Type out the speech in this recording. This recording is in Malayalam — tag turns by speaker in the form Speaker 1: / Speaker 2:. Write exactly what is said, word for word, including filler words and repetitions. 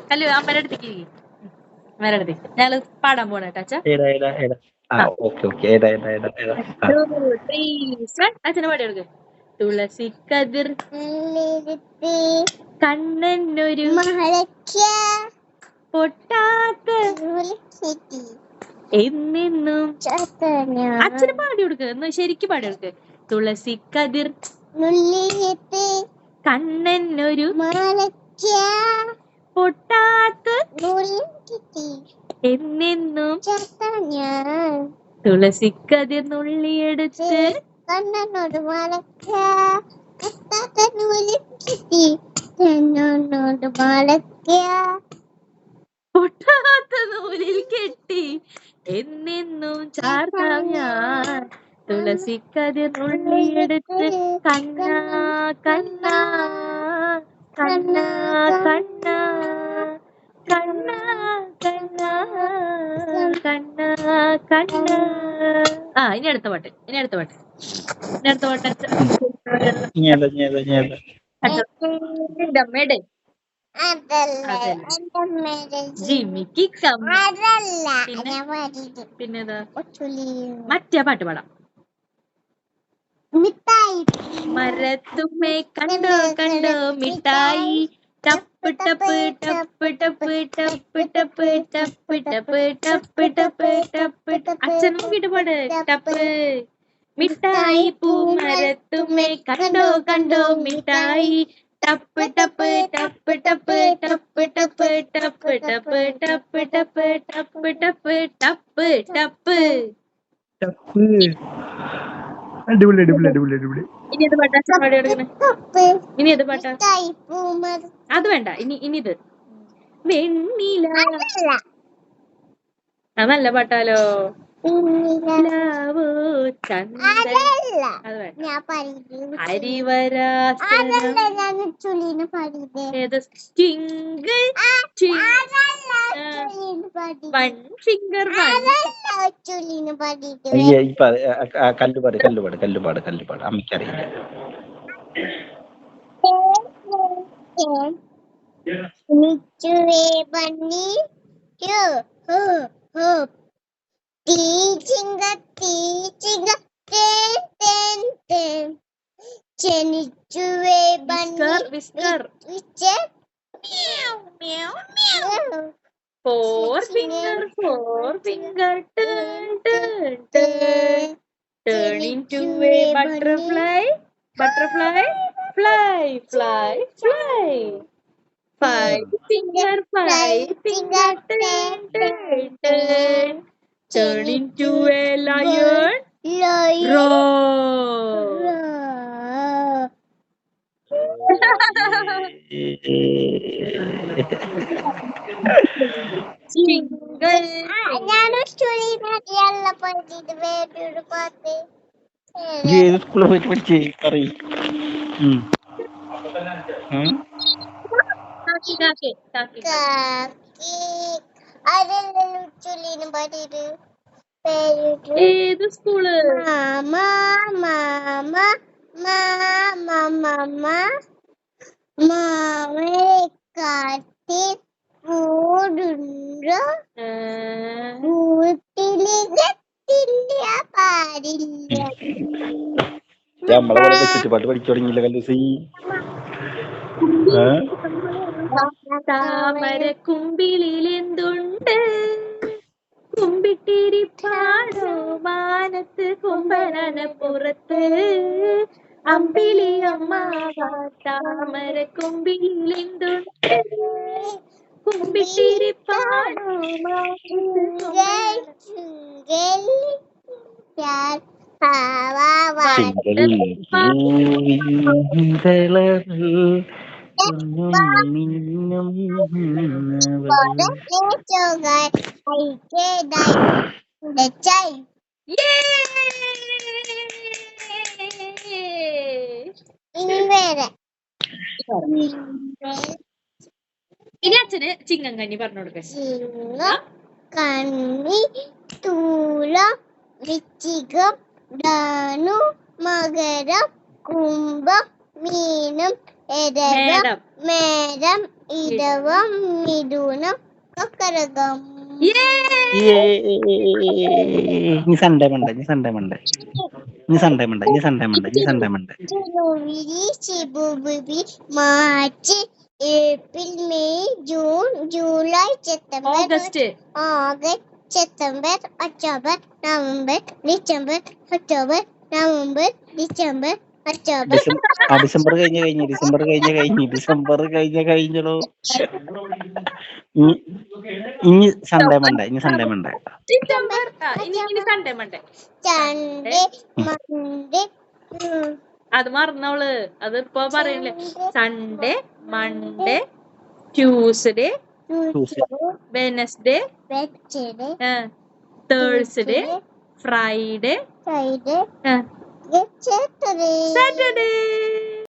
Speaker 1: കല്ലു അമ്മയുടെ അടുത്തേക്ക് ഇരിക്ക്. അമ്മയുടെ അടുത്തേക്ക് ഞങ്ങള് പാടാൻ പോണ കേട്ടോ അച്ഛാ.
Speaker 2: ഏതാ ഏതാ ഏതാ ആ ഓക്കെ ഓക്കെ ഏതാ ഏതാ ഏതാ ഏതാ ആ.
Speaker 1: അച്ഛനെ പാടി കൊടുക്ക്. തുളസി കതിർ കണ്ണനൊരു പൊട്ടാത്ത എന്നെന്നും അച്ഛന് പാടി കൊടുക്ക്. എന്ന് ശരിക്കും പാടി കൊടുക്ക്. തുളസി കതിർ കണ്ണനൊരു പൊട്ടാത്ത എന്നെന്നും തുളസി കതിർ നുള്ളിയെടുത്ത്
Speaker 3: കണ്ണനോട് എന്നോട്
Speaker 1: പൊട്ടാത്ത നൂലിൽ കെട്ടി എന്നെന്നും ചാർത്താം ഞാൻ. തുളസി കതിർ നുള്ളിയെടുത്ത് കണ്ണാ കണ്ണാ കണ്ണാ കണ്ണാ കണ്ണാ കണ്ണാ കണ്ണാ കണ്ണാ. ആ ഇനി അടുത്ത പാട്ട് ഇനി അടുത്ത പാട്ട് ഇനി അടുത്ത പാട്ട്
Speaker 2: ഇനി ഏതാ ഇനി ഏതാ ഇനി ഏതാ
Speaker 1: എന്റെ അമ്മയുടെ ജിമിക്ക് പിന്നെതാ മറ്റേ പാട്ട് പാടാം. മരത്തുമ്മേ കണ്ടോ കണ്ടോ മിഠായി ടപ്പ് ടപ്പ് ടപ്പ് ടപ്പ് ടപ്പ് ടപ്പ് ടപ്പ് ടപ്പ് ടപ്പ് ടപ്പ് ടപ്പ്. അച്ഛൻ നോക്കിട്ട് പാട്. ടപ്പ് മിഠായി പൂ മരത്തുമ്മേ കണ്ടോ കണ്ടോ മിഠായി ടപ്പ് ടപ്പ് ടപ്പ് ടപ്പ് ടപ്പ് ടപ്പ് ടപ്പ് ടപ്പ് ടപ്പ് ടപ്പ് ടപ്പ് ടപ്പ് ടപ്പ് ടപ്പ്.
Speaker 2: അടിപൊളി അടിപൊളി അടിപൊളി അടിപൊളി.
Speaker 1: ഇനി ഏത് പാട്ടാ അച്ഛൻ പാടി കൊടുക്കണേ? ഇനി ഏത് പാട്ടാ? അത് വേണ്ട. ഇനി ഇനി ഇത് വെണ്ണില. അത് നല്ല പാട്ടാലോ.
Speaker 2: കല്ലുപാട് കല്ലുപാട് കല്ലുപാട് കല്ലുപാട് അമ്മയ്ക്കറിയില്ല.
Speaker 3: Teaching a teaching a ten ten ten. Chenichue bunny.
Speaker 1: Whisker.
Speaker 3: Whisker. Meow meow meow.
Speaker 1: Four finger, four finger, turn turn turn. Turn into a butterfly. Butterfly. Fly fly fly. Five finger, five finger, turn turn turn. Turn into a lion.
Speaker 3: Lion.
Speaker 1: Roar. Jingle.
Speaker 3: ഞാനൊരു സ്റ്റോറി നല്ല പഠിച്ചത് വേറൊരു പാട്ട്.
Speaker 2: ഏത് സ്കൂളിൽ പോയിട്ട് പഠിച്ചേ പറയ്.
Speaker 1: കാക്കി കാക്കി
Speaker 3: കാക്കി അതെല്ലാം ചൊല്ലിനും പാടിയത്.
Speaker 1: ഏത് സ്കൂള്?
Speaker 3: മാമ മാമ മാമ മാമ മാമനെ കാട്ടിൽ കൂടുണ്ടോ കൂട്ടില് കത്തില്ല പാടില്ല.
Speaker 2: നമ്മളവിടെ വെച്ചിട്ട് പാട്ട് പഠിച്ചു തുടങ്ങിയില്ല കല്ലൂസി.
Speaker 1: താമര കുമ്പിളിൽ എന്തുണ്ട് കുമ്പിട്ടിരിപ്പാടോ മാനത്ത് കൊമ്പനന പുറത്ത് അമ്പിളി അമ്മാവ താമര കുമ്പിളിൽ എന്തുണ്ട് കുമ്പിട്ടിരിപ്പാടോ ഇനി അച്ഛന് ചിങ്ങം കഞ്ഞി പറഞ്ഞു കൊടുക്കാം.
Speaker 3: കണ്ണി തൂലം വൃശ്ചികം ധനു മകരം കുംഭം മീനം എടവം മേടം ഇടവം മിഥുനം കർക്കടകം
Speaker 2: ഇനി സൺഡേ മണ്ടേ ഇനി സൺഡേ മണ്ടേ ഇനി സൺഡേ മണ്ടേ ഇനി സൺഡേ മണ്ടേ ഇനി Sunday Monday
Speaker 3: January February March April May June July September
Speaker 1: August
Speaker 3: August September October November December October November December October
Speaker 2: December ആ ഡിസംബർ കഴിഞ്ഞ കഴിഞ്ഞു ഡിസംബർ കഴിഞ്ഞ കഴിഞ്ഞു ഡിസംബർ കഴിഞ്ഞ കഴിഞ്ഞോ ഇനി ഇനി സൺഡേ മണ്ടേ ഇനി സൺഡേ മണ്ടേ
Speaker 1: ഡിസംബർ ആ, ഇനി ഇനി സൺഡേ മണ്ടേ
Speaker 3: സൺഡേ മൺഡേ
Speaker 1: അത് മറന്നവള് അത് ഇപ്പൊ പറയണില്ലേ Sunday Monday Tuesday Wednesday
Speaker 3: Wednesday
Speaker 1: Thursday Friday
Speaker 3: Friday
Speaker 1: Saturday
Speaker 3: Saturday